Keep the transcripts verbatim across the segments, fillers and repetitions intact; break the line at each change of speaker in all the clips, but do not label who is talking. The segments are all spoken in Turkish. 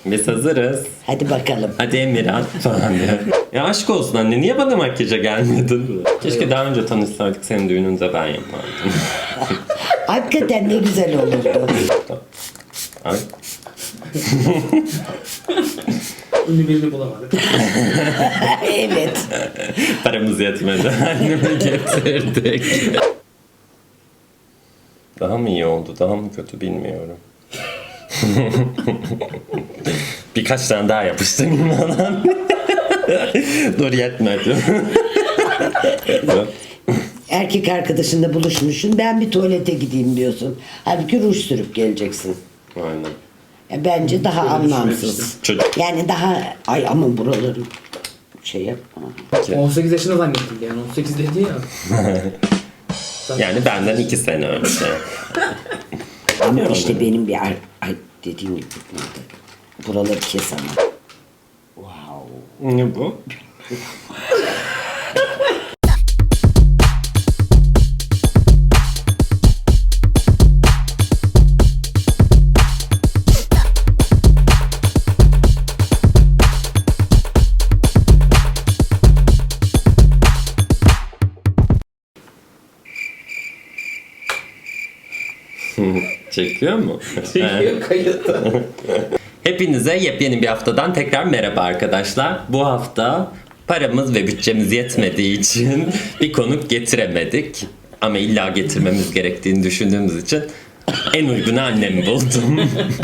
Biz hazırız.
Hadi bakalım.
Hadi Emirhan falan diyor. Ya aşk olsun anne, niye bana makyaja gelmedin? Keşke daha önce tanışsaydık, senin düğününde ben yapardım.
Hakikaten ne güzel olurdu.
Ay.
Ünlü birini bulamadık.
Evet.
Paramız yetmedi. Annemi getirdik. Daha mı iyi oldu, daha mı kötü bilmiyorum. Birkaç tane daha yapıştırayım falan. Dur, yetmedi.
Erkek arkadaşınla buluşmuşsun. Ben bir tuvalete gideyim diyorsun. Halbuki ruj sürüp geleceksin.
Aynen.
Ya bence daha anlamsız.
Çocuk.
Yani daha ay ama buraları şey yapma.
on sekiz yaşında zannettim yani. on sekiz dedi ya.
Yani benden iki sene önce.
Ama işte benim bir ay, ay dediğim gibi buraları kes ama. Wow.
Ne bu? Çekiyor mu?
Çekiyor kayıtta.
Hepinize yepyeni bir haftadan tekrar merhaba arkadaşlar. Bu hafta paramız ve bütçemiz yetmediği için bir konuk getiremedik. Ama illa getirmemiz gerektiğini düşündüğümüz için en uygun annemi buldum.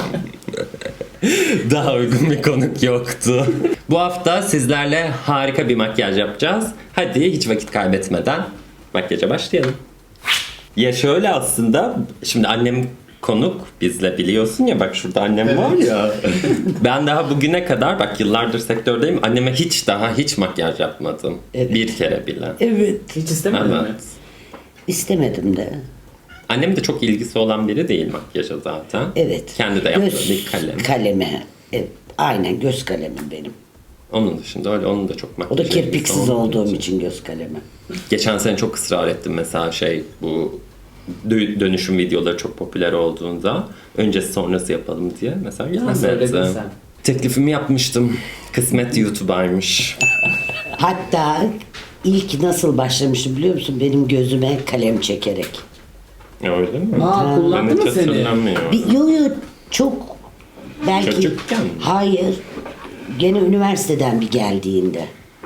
Daha uygun bir konuk yoktu. Bu hafta sizlerle harika bir makyaj yapacağız. Hadi hiç vakit kaybetmeden makyaja başlayalım. Ya şöyle aslında, şimdi annem konuk bizle, biliyorsun ya, bak şurada annem var ya. Ben daha bugüne kadar, bak yıllardır sektördeyim, anneme hiç daha hiç makyaj yapmadım.
Evet.
Bir kere bile.
Evet.
Hiç istemedin mi?
Evet.
İstemedim de.
Annem de çok ilgisi olan biri değil makyaja zaten.
Evet.
Kendi de yaptığı
Göz
bir kalem.
kalemi. Evet. Aynen göz kalemim benim.
Onun dışında öyle, onun da çok
O
makyaj
da
ilgisi
kirpiksiz
olmadığı
olduğum
için.
için göz kalemi.
Geçen sene çok ısrar ettim mesela, şey, bu dö- dönüşüm videoları çok popüler olduğunda öncesi sonrası yapalım diye. Mesela
Ha, söyledin
gelmedi.
sen.
Teklifimi yapmıştım. Kısmet YouTuber'mış.
Hatta ilk nasıl başlamıştım biliyor musun? Benim gözüme kalem çekerek.
Öyle mi?
Aa, kullandı
Ben hiç
mı seni?
hatırlamıyorum.
Bir, yo yo çok belki
Çocukken mi?
hayır gene üniversiteden bir geldiğinde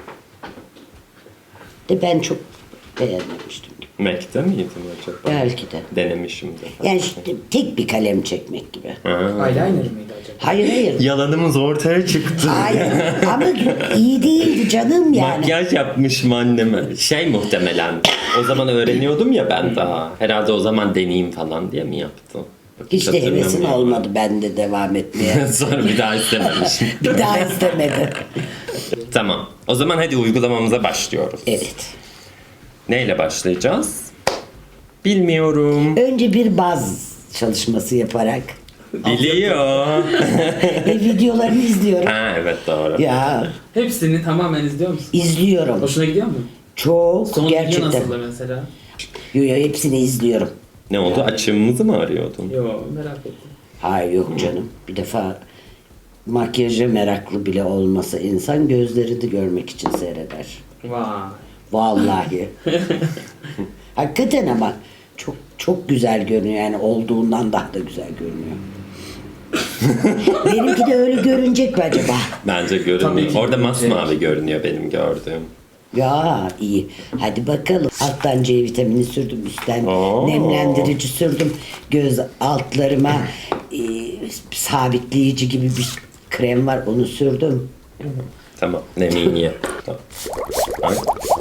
de ben çok beğenmemiştim.
Mac'te miydim acaba?
Belki de.
Denemişimdir.
Yani işte tek bir kalem çekmek gibi.
Eyeliner mıydı acaba?
Hayır hayır.
Yalanımız ortaya çıktı.
Hayır ama iyi değildi canım yani.
Makyaj yapmışım anneme. Şey, muhtemelen. O zaman öğreniyordum ya ben daha. Herhalde o zaman deneyeyim falan diye mi yaptım?
Hiç de hevesim
Hatırlamıyorum.
olmadı ben de devam etmeye.
Sonra bir daha istememişim.
Bir daha istemedi.
Tamam. O zaman hadi uygulamamıza başlıyoruz.
Evet.
Neyle başlayacağız? Bilmiyorum.
Önce bir baz çalışması yaparak
Biliyor.
ve videolarını izliyorum.
Ha evet, doğru.
Ya
Hepsini tamamen izliyor musun?
izliyorum.
Hoşuna gidiyor mu?
Çok
Son video
gerçekten.
nasıldı mesela?
Yo yo hepsini izliyorum.
Ne oldu? Açığımızı mı arıyordun?
Yo, merak ettim.
Hayır yok canım. Bir defa makyaja meraklı bile olmasa insan gözlerini görmek için seyreder.
Vay.
Vallahi. Hakikaten ama çok çok güzel görünüyor yani olduğundan daha da güzel görünüyor. Benimki de öyle görünecek mi acaba?
Bence
Tabii
görünmüyor.
ki
Orada
görünecek.
masmavi görünüyor benim gördüğüm.
Ya iyi. Hadi bakalım. Alttan C vitamini sürdüm, üstten
Oo.
nemlendirici sürdüm. Göz altlarıma e, sabitleyici gibi bir krem var, onu sürdüm.
Tamam. Neminiye. Tamam. Ay.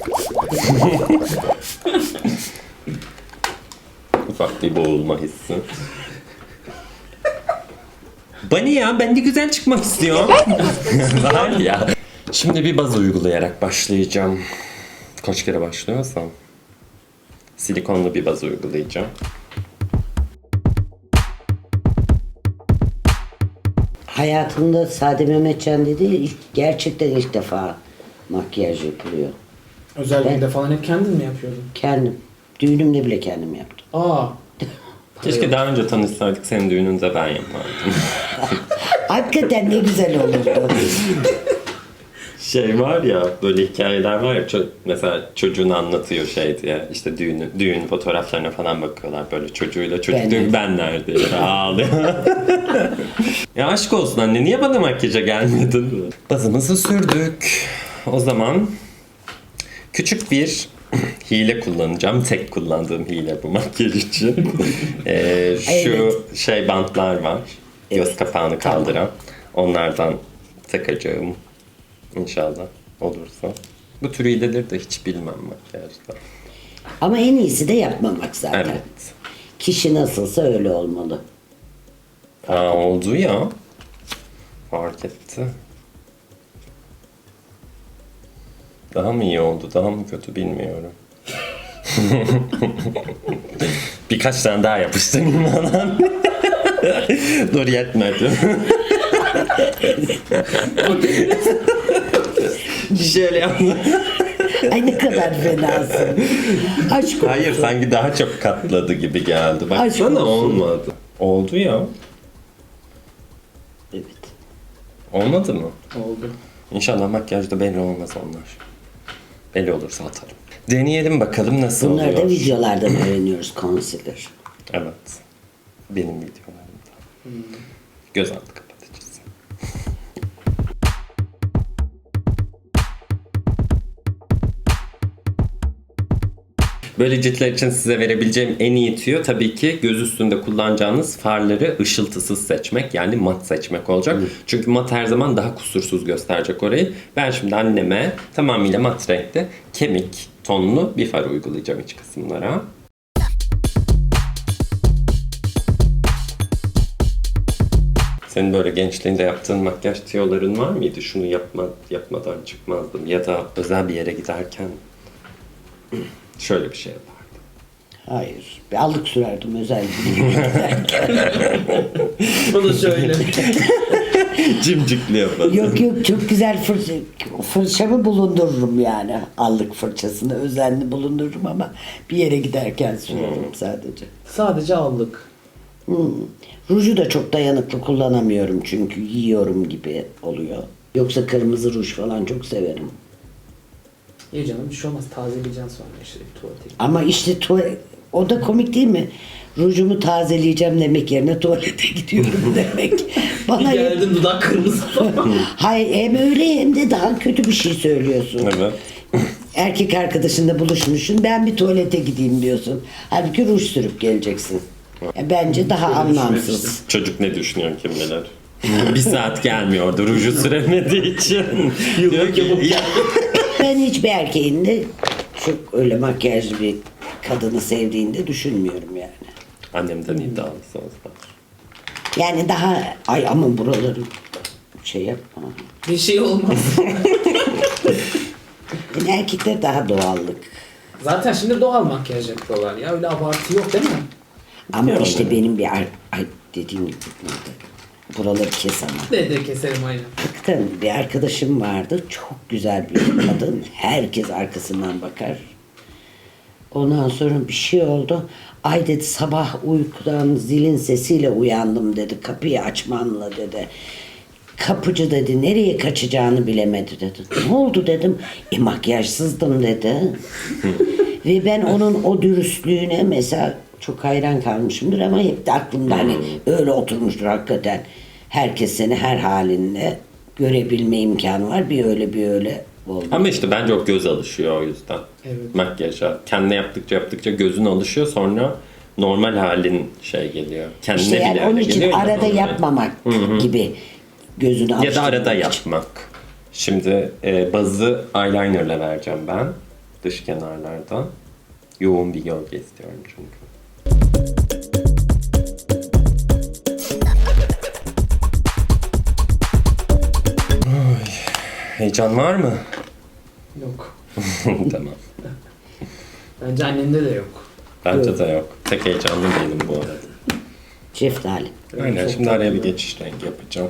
Ufak bir boğulma hissi. Bani ya, ben de güzel çıkmak istiyorum. Var ya. Şimdi bir baz uygulayarak başlayacağım. Kaç kere başlıyorsam. Silikonlu bir baz uygulayacağım.
Hayatımda Sade Mehmetcan dedi, ilk- gerçekten ilk defa makyaj yapılıyor.
Özel
Ben-
günde falan hep kendin mi yapıyordun?
Kendim. Düğünümde bile kendim yaptım.
Aa.
Keşke daha önce tanışsaydık, senin düğününde ben yapardım.
Hakikaten ne güzel olurdu.
Şey var ya, böyle hikayeler var ya, ço- mesela çocuğunu anlatıyor şey diye, işte düğünü, düğün fotoğraflarına falan bakıyorlar, böyle çocuğuyla, çocuk
Ben
diyor ki
de.
ben neredeyim, ağlıyor. Ya aşk olsun anne, niye bana makyaja gelmedin? Bazımızı sürdük. O zaman küçük bir hile kullanacağım. Tek kullandığım hile bu makyaj için. Ee, şu
Evet.
şey bantlar var. Göz
Evet.
kapağını
Tamam.
kaldıran. Onlardan takacağım. İnşallah olursa. Bu tür hileleri de hiç bilmem makyajda.
Ama en iyisi de yapmamak zaten.
Evet.
Kişi nasılsa öyle olmalı.
Aa, oldu ya. Fark etti. Daha mı iyi oldu, daha mı kötü bilmiyorum. Birkaç tane daha yapıştırayım falan. Dur, yetmedi. Şöyle yapma.
Ay ne kadar fenasın. Aşk olsun.
Hayır, sanki daha çok katladı gibi geldi.
Aşk
Baksana,
olsun.
olmadı. Oldu ya.
Evet.
Olmadı mı?
Oldu.
İnşallah makyajda belli olmaz onlar. Belli olursa atarım. Deneyelim bakalım nasıl
Bunları
oluyor.
da videolardan öğreniyoruz, concealer.
Evet. Benim videolarımda. Göz altı kapatıcısı. Böyle ciltler için size verebileceğim en iyi tüyo tabii ki göz üstünde kullanacağınız farları ışıltısız seçmek, yani mat seçmek olacak. Çünkü mat her zaman daha kusursuz gösterecek orayı. Ben şimdi anneme tamamıyla mat renkte kemik tonlu bir far uygulayacağım iç kısımlara. Senin böyle gençliğinde yaptığın makyaj tüyoların var mıydı? Şunu yapma, yapmadan çıkmazdım. Ya da özel bir yere giderken şöyle bir şey yapardım.
Hayır. Bir allık sürerdim özel bir yere giderken.
O da şöyle.
Cimcikli yapardım.
Yok yok, çok güzel fırça, fırçamı bulundururum yani. Allık fırçasını özenli bulundururum ama bir yere giderken sürerim sadece.
Sadece aldık.
Hmm. Ruju da çok dayanıklı kullanamıyorum çünkü yiyorum gibi oluyor. Yoksa kırmızı ruj falan çok severim.
İyi canım, bir şey olmaz. Tazeleyeceksin sonra işte bir tuvalete.
Ama işte tuvalet, o da komik değil mi? Rujumu tazeleyeceğim demek yerine tuvalete gidiyorum demek. Bana
Bir
hep-
geldin dudak kırmızı falan.
Hayır, hem öyle hem de daha kötü bir şey söylüyorsun.
Evet.
Erkek arkadaşınla buluşmuşsun, ben bir tuvalete gideyim diyorsun. Halbuki ruj sürüp geleceksin. Ya bence daha
Öyle
anlamsız.
Çocuk ne düşünüyor kim bilir. Bir saat gelmiyordu ruju süremediği için. Diyor ki ya,
Ben hiçbir erkeğin de çok öyle makyajlı bir kadını sevdiğini de düşünmüyorum yani.
annemden iddialı sözler.
Yani daha ay ama buraları şey yapma.
Bir şey olmaz.
Yani erkekler daha doğallık.
Zaten şimdi doğal makyaj yapıyorlar ya. Öyle abartı yok değil mi?
Ama
Biliyorum
işte
ben.
benim bir ar- ay dediğim gibi buraları kes ama.
De de keserim aynen.
Hakikaten bir arkadaşım vardı. Çok güzel bir kadın. Herkes arkasından bakar. Ondan sonra bir şey oldu. Ay dedi, sabah uykudan zilin sesiyle uyandım dedi. Kapıyı açmanla dedi. Kapıcı dedi, nereye kaçacağını bilemedi dedi. Ne oldu dedim. E makyajsızdım dedi. Ve ben onun o dürüstlüğüne mesela çok hayran kalmışımdır ama hep de aklımda hani öyle oturmuştur hakikaten. Herkes seni her halinle görebilme imkanı var. Bir öyle bir öyle oldu.
Ama işte bence o göz alışıyor o yüzden.
Evet.
Makyaja. Kendine yaptıkça yaptıkça gözün alışıyor, sonra normal halin şey geliyor. Kendine
İşte
bile
yani onun
öyle
için
geliyor ya
arada
normal.
yapmamak gibi gözünü
Ya da
alıştırmak
arada
için.
yapmak. Şimdi e, bazı eyelinerle vereceğim ben. Dış kenarlardan. Yoğun bir gölge istiyorum çünkü. Ay, heyecan var mı?
Yok.
Tamam.
Bence annende de yok.
Bence de yok. Tek heyecanlı değilim bu arada.
Şeftali.
Aynen,
Çok
şimdi araya bir
tatlı.
geçiş rengi yapacağım.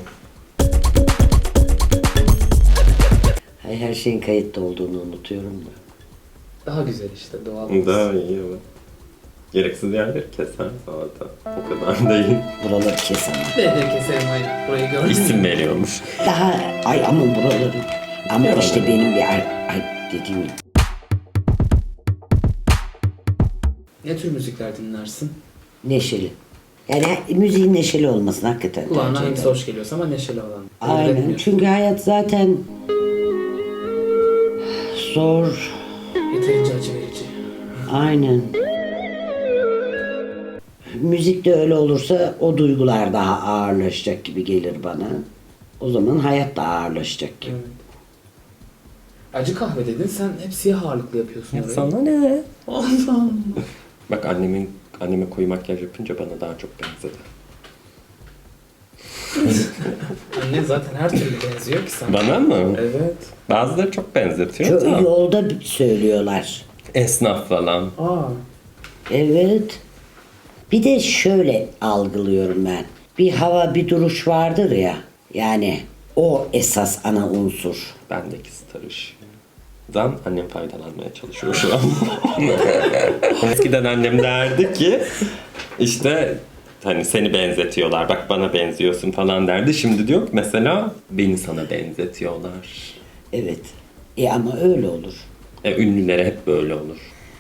Ay, her şeyin kayıtta olduğunu unutuyorum da.
Daha güzel işte doğal.
Daha iyi evet. Gereksiz yerleri keser zaten. O kadar değil.
Buraları kes ama.
De de keserim hayır. Burayı gördün mü?
İsim veriyormuş.
Daha ay ama buraları. Ama işte benim bir ay, ay dediğim gibi.
Ne tür müzikler dinlersin?
Neşeli. Yani müziğin neşeli olmasını hakikaten
Kulağına
tercih
hangisi
ederim.
hoş geliyorsa ama neşeli olan.
Aynen.
Bilmiyorum.
Çünkü hayat zaten zor.
Yeterince acı verici.
Aynen. Müzik de öyle olursa o duygular daha ağırlaşacak gibi gelir bana. O zaman hayat da ağırlaşacak gibi.
Evet. Acı kahve dedin, sen hep siyah ağırlıklı yapıyorsun
Ya
orayı.
sana ne?
Allah.
Bak annemin anneme koyu makyaj yapınca bana daha çok benzedi.
Anne zaten her türlü benziyor ki sana.
Bana mı?
Evet.
Bazıları çok benzetiyor
Çok
da.
yolda söylüyorlar.
Esnaf falan.
Aa.
Evet. Bir de şöyle algılıyorum ben. Bir hava, bir duruş vardır ya. Yani o esas ana unsur.
Bendeki starış. Dan annem faydalanmaya çalışıyor şu an. Eskiden annem derdi ki işte hani seni benzetiyorlar, bak bana benziyorsun falan derdi. Şimdi diyor ki mesela beni sana benzetiyorlar.
Evet. E ama öyle olur.
E, ünlülere hep böyle olur.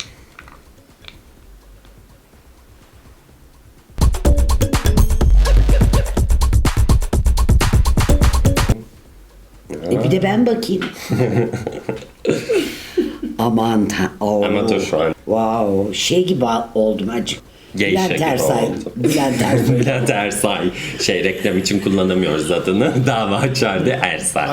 E bir de ben bakayım. Aman ta Oo.
Ama dur şu an.
Wow, şey gibi oldum acık.
Geyşe
Bülent
gibi
Ersoy.
oldu.
Bülent Ersoy.
Bülent Ersay. Şey reklam için kullanamıyoruz adını. Dava açardı Ersay.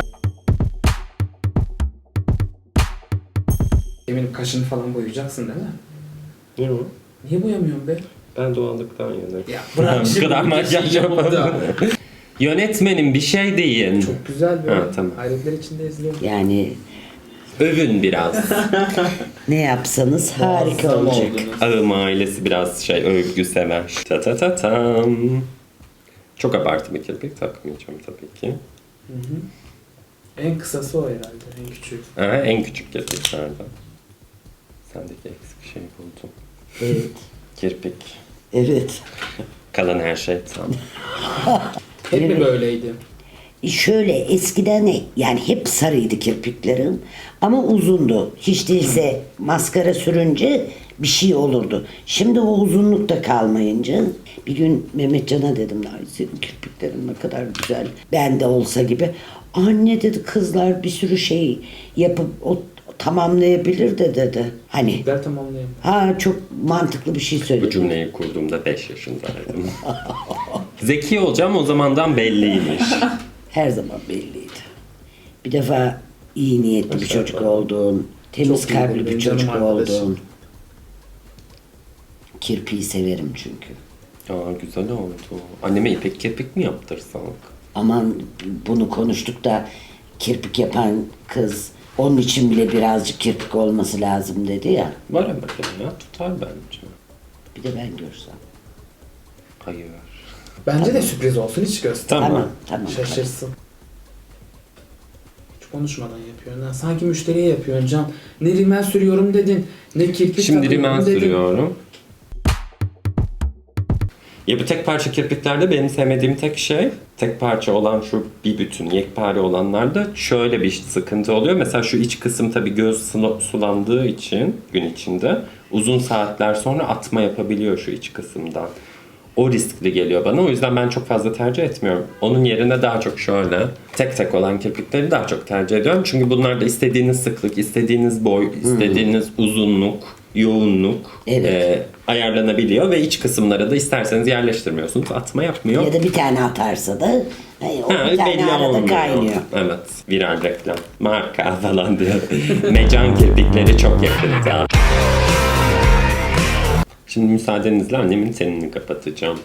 Eminim kaşını falan boyayacaksın değil mi?
Ne o?
Niye boyamıyorsun be?
Ben doğallıktan yanayım.
Ya bırak
Bu
şimdi
kadar
bu
makyaj
geçiyi yapıp da.
yapalım. Yönetmenim bir şey deyin.
Çok güzel böyle.
Ha, tamam.
Hayretler içinde izliyorum.
Yani
Övün biraz.
ne yapsanız harika
Muazzam
olacak.
oldunuz.
Ağım ailesi biraz şey övgü sever. Ta ta ta tam. Çok abartı bir kirpik takmayacağım tabii ki.
Hı hı. En kısası o herhalde. En küçüğü.
Ha, en küçük kirpiklerden. Sendeki eksik şey buldum.
Evet.
Kirpik.
Evet.
Kalan her şey tam.
Hep mi
Evet.
böyleydi?
E şöyle eskiden ne- yani hep sarıydı kirpiklerim ama uzundu. Hiç değilse maskara sürünce bir şey olurdu. Şimdi o uzunluk da kalmayınca bir gün Mehmetcan'a dedim ay senin kirpiklerin ne kadar güzel. Ben de olsa gibi. Anne dedi kızlar bir sürü şey yapıp o tamamlayabilir de dedi. Hani
Kirpikler tamamlayayım.
ha çok mantıklı bir şey
Bu
söyledi.
cümleyi kurduğumda beş yaşındaydım. Zeki olacağım o zamandan belliymiş.
Her zaman belliydi. Bir defa iyi niyetli bir çocuk olduğun, temiz
Çok iyi
kalpli
benim
bir
canım
çocuk
arkadaşım.
olduğun. Kirpiği severim çünkü.
Aa güzel oldu. Anneme ipek kirpik mi yaptırsak?
Aman bunu konuştuk da kirpik yapan kız onun için bile birazcık kirpik olması lazım dedi ya.
Var ama ya tutar bence.
Bir de ben görsem.
Hayır.
Bence de sürpriz olsun, hiç göster.
Tamam.
Tamam, tamam.
Şaşırsın. Hiç konuşmadan yapıyorsun. Ha. Sanki müşteriye yapıyorsun Can. Ne rimel sürüyorum dedin, ne kirpik
Şimdi
takıyorum
rimel
dedin.
sürüyorum. Ya bu tek parça kirpiklerde benim sevmediğim tek şey, tek parça olan şu bir bütün yekpare olanlarda şöyle bir sıkıntı oluyor. Mesela şu iç kısım tabii göz sula- sulandığı için gün içinde uzun saatler sonra atma yapabiliyor şu iç kısımdan. O riskli geliyor bana. O yüzden ben çok fazla tercih etmiyorum. Onun yerine daha çok şöyle tek tek olan kirpikleri daha çok tercih ediyorum. Çünkü bunlarda istediğiniz sıklık, istediğiniz boy, istediğiniz uzunluk, yoğunluk
Evet.
e, ayarlanabiliyor ve iç kısımlara da isterseniz yerleştirmiyorsunuz. Atma yapmıyor.
Ya da bir tane atarsa da hani o
Ha,
bir tane
belli
arada
olmuyor.
kaynıyor.
Evet. Viral reklam. Marka falan diyor. Mecan kirpikleri çok yakında. Şimdi müsaadenizle annemin tenini kapatacağım.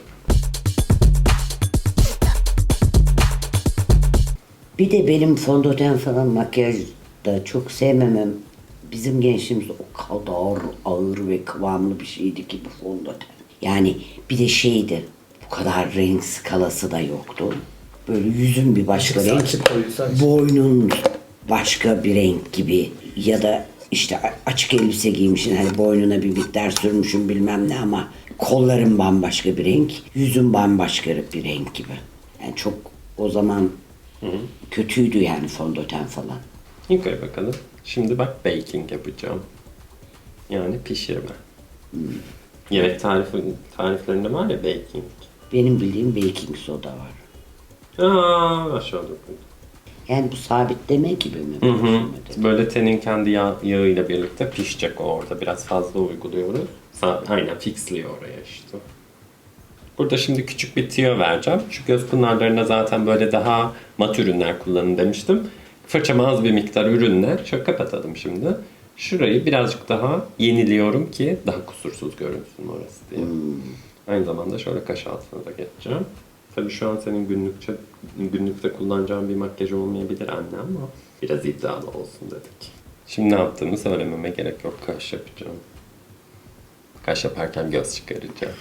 Bir de benim fondöten falan makyaj da çok sevmemem. Bizim gençliğimizde o kadar ağır ve kıvamlı bir şeydi ki bu fondöten. Yani bir de şeydi, bu kadar renk skalası da yoktu. Böyle yüzün bir başka
Açıksa
renk,
açık, koyuysa açık.
boynun başka bir renk gibi ya da işte a- açık elbise giymişsin. Hani boynuna bir miktar sürmüşsün bilmem ne ama kolların bambaşka bir renk. Yüzün bambaşka bir renk gibi. Yani çok o zaman kötüydü yani fondöten falan.
Yukarı bakalım. Şimdi bak baking yapacağım. Yani pişirme. Yemek tarifi, tariflerinde var ya baking.
Benim bildiğim baking soda var.
Aa, aşağıda koydum.
Yani bu sabitleme gibi mi?
Hı hı. Böyle tenin kendi yağ, yağıyla birlikte pişecek o orada. Biraz fazla uyguluyoruz. Sa- Aynen fixliyor oraya işte. Burada şimdi küçük bir tüyo vereceğim. Şu göz pınarlarına zaten böyle daha mat ürünler kullanın demiştim. Fırçama az bir miktar ürünle şöyle kapatalım şimdi. Şurayı birazcık daha yeniliyorum ki daha kusursuz görünsün orası diye. Aynı zamanda şöyle kaş altına da geçeceğim. Tabii şu an senin günlükçe, günlükte kullanacağın bir makyaj olmayabilir anne ama biraz iddialı olsun dedik. Şimdi ne yaptığımı söylememe gerek yok. Kaş yapacağım. Kaş yaparken göz çıkaracağım.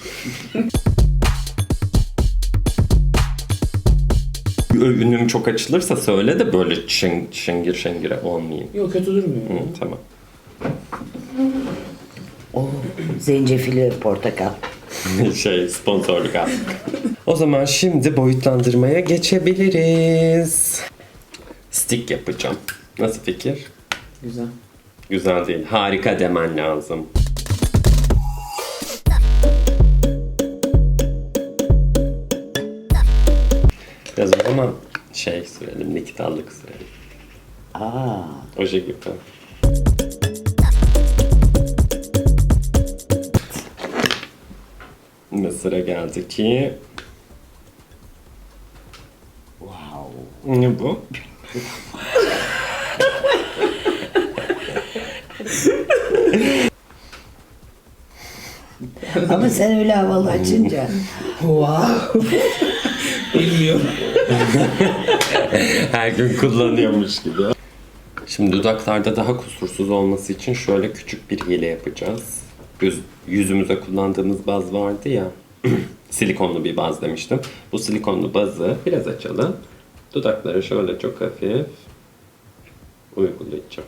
Ünüm çok açılırsa söyle de böyle şeng, şengir şengire olmayayım.
Yok kötü durmuyor.
Hı, tamam.
O zencefili portakal.
şey sponsorluk aldık. O zaman şimdi boyutlandırmaya geçebiliriz. Stick yapacağım. Nasıl fikir?
Güzel.
Güzel değil. Harika demen lazım. Biraz o zaman şey sürelim, niktarlık sürelim.
Aa,
Oje gibi. Ve sıra geldi ki...
wow.
Ne bu?
Ama sen öyle havalı açınca.
Wow. Bilmiyorum.
Her gün kullanıyormuş gibi. Şimdi dudaklarda daha kusursuz olması için şöyle küçük bir hile yapacağız. Göz, yüzümüze kullandığımız baz vardı ya. Silikonlu bir baz demiştim. Bu silikonlu bazı biraz açalım. Dudaklara şöyle çok hafif uygulayacağım.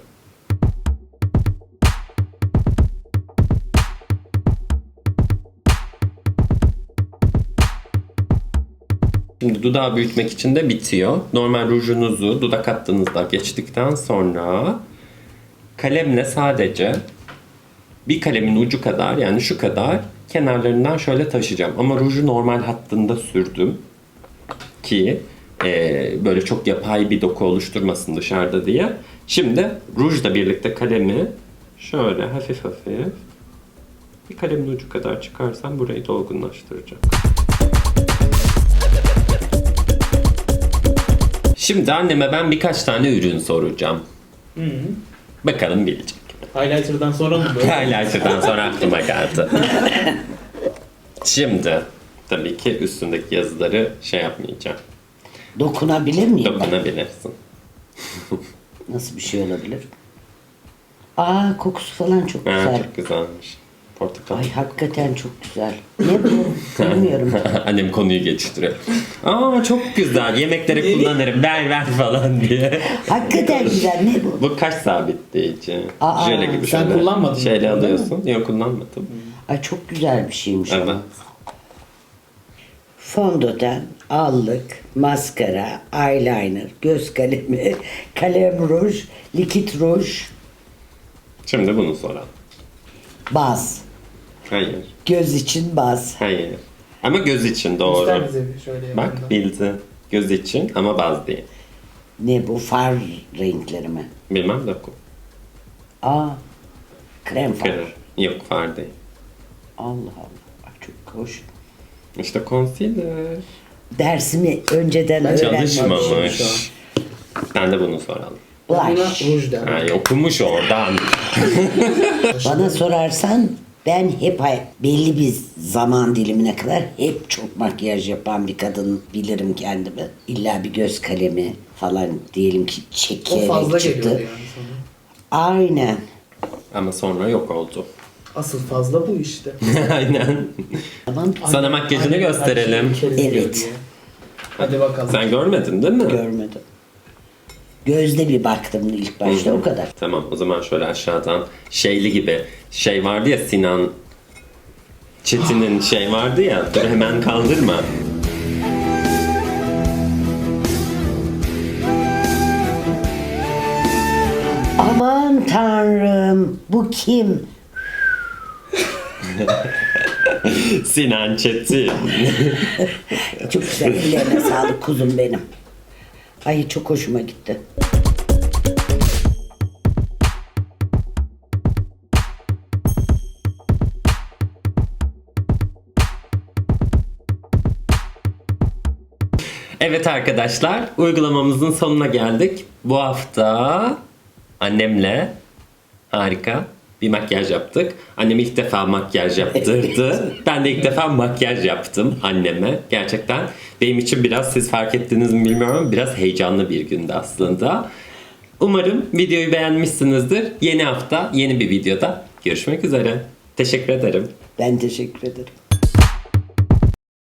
Şimdi dudağı büyütmek için de bitiyor. Normal rujunuzu dudak hattınızda geçtikten sonra kalemle sadece bir kalemin ucu kadar yani şu kadar kenarlarından şöyle taşıyacağım. Ama ruju normal hattında sürdüm ki e, böyle çok yapay bir doku oluşturmasın dışarıda diye. Şimdi rujla birlikte kalemi şöyle hafif hafif bir kalemin ucu kadar çıkarsam burayı dolgunlaştıracak. Şimdi anneme ben birkaç tane ürün soracağım.
Hı -hı.
Bakalım bilecek.
Highlighter'dan sonra mı böyle?
Highlighter'dan sonra aklıma geldi. Şimdi tabii ki üstündeki yazıları şey yapmayacağım.
Dokunabilir miyim?
Dokunabilirsin.
Nasıl bir şey olabilir? Aa, kokusu falan çok
Ha,
güzel.
çok güzelmiş. Portakal.
Ay hakikaten çok güzel. Ne bu? Bilmiyorum.
Annem konuyu geçiştiriyor. Aa çok güzel. Yemeklere kullanırım. Ver ver falan diye.
Hakikaten güzel. Ne bu?
Bu kaş sabitleyici.
Aa,
Jöle gibi
sen
şöyle
kullanmadın
şeyle
mı, değil mi?
alıyorsun. Yok kullanmadım.
Ay çok güzel bir şeymiş.
Evet.
ama. Fondöten, allık, maskara, eyeliner, göz kalemi, kalem ruj, likit ruj,
Şimdi bunu soralım.
baz.
Hayır.
Göz için baz.
Hayır. Ama göz için doğru.
Göster bize bir şöyle yakından.
Bak bildi. Göz için ama baz değil.
Ne bu? Far renkleri mi?
Bilmem doku.
Aa, krem far.
Kırır. Yok far değil.
Allah Allah. Bak çok hoş.
İşte concealer.
Dersimi önceden öğrenmemişim şu an.
Çalışmamış. Ben de bunu soralım.
Buna
Blush.
ruj der.
Ha, okumuş oradan.
Bana sorarsan ben hep hay- belli bir zaman dilimine kadar hep çok makyaj yapan bir kadın bilirim kendimi. İlla bir göz kalemi falan diyelim ki
O
çekerek
fazla
çıktı.
geliyordu yani sana.
Aynen.
Ama sonra yok oldu.
Asıl fazla bu işte.
Aynen.
Tamam.
Sana makyajını
Annem her
gösterelim.
şeyi bir kere izliyor
Evet.
diye. Hadi bakalım.
Sen görmedin değil mi?
Görmedim. Gözde bir baktım ilk başta, o kadar.
Tamam, o zaman şöyle aşağıdan şeyli gibi şey vardı ya, Sinan Çetin'in şey vardı ya, dur hemen kaldırma.
Aman tanrım, bu kim?
Sinan Çetin.
Çok güzel, ellerine sağlık kuzum benim. Ay çok hoşuma gitti.
Evet arkadaşlar, uygulamamızın sonuna geldik. Bu hafta annemle harika bir makyaj yaptık. Annem ilk defa makyaj yaptırdı. Ben de ilk defa makyaj yaptım anneme. Gerçekten benim için biraz, siz fark ettiniz mi bilmiyorum ama biraz heyecanlı bir gündü aslında. Umarım videoyu beğenmişsinizdir. Yeni hafta yeni bir videoda görüşmek üzere. Teşekkür ederim.
Ben teşekkür ederim.